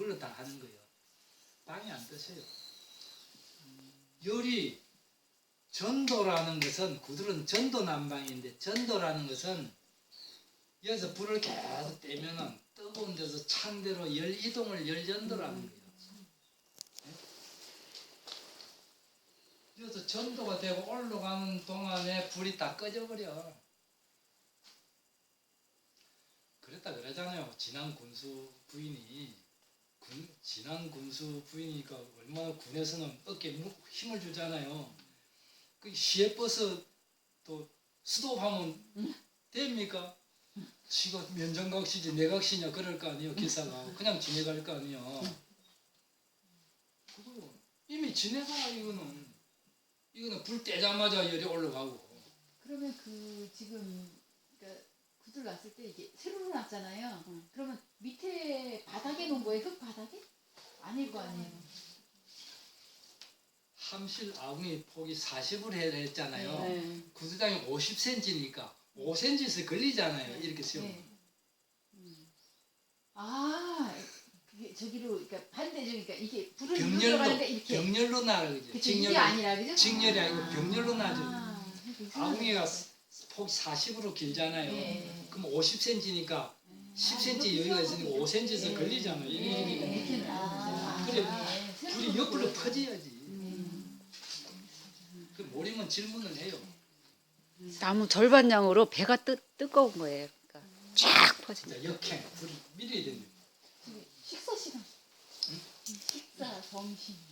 그걸로 다 하는 거예요. 방해 안 뜨세요. 열이 전도라는 것은 구들은 전도 난방인데 전도라는 것은 여기서 불을 계속 떼면은 뜨거운 데서 찬 데로 열 이동을 열전도라는 거예요. 여기서 전도가 되고 올라가는 동안에 불이 다 꺼져버려. 그랬다 그러잖아요. 진안 군수 부인이 진안 군수 부인이니까 얼마나 군에서는 어깨에 힘을 주잖아요. 그 시외 버스 또 스톱하면 됩니까? 지가 면전각시지 내각시냐 그럴 거 아니에요. 기사가 그냥 지내갈 거 아니에요. 그거 이미 지내가 이거는 불 떼자마자 열이 올라가고. 그러면 지금 그러니까 구들 놨을 때 이게 세로로 놨잖아요. 그러면 밑에 바닥에 놓은 거예요? 흙 바닥에? 아닐 거 아니에요. 함실 아궁이 폭이 40을 했잖아요. 네. 구두장이 50cm니까 5cm에서 걸리잖아요. 이렇게 세우면. 네. 아, 그게 저기로 그러니까 반대쪽이니까 이게 불을 들어가는데 이렇게 병렬로 나가 그죠. 그쵸, 이게 아니라 그죠? 직렬이 아니고 병렬로 나죠. 그러니까 아궁이가 폭이 40으로 길잖아요. 네. 그럼 50cm니까 10cm 여유가 있으니까 5cm에서 걸리잖아요. 이게 그래 불이 옆으로 퍼져야지. 그 모르면 질문을 해요. 나무 절반량으로 배가 뜨거운 거예요. 그러니까 쫙 퍼진다. 진짜 역행 불이 밀어야 됩니다. 식사 시간. 식사 점심.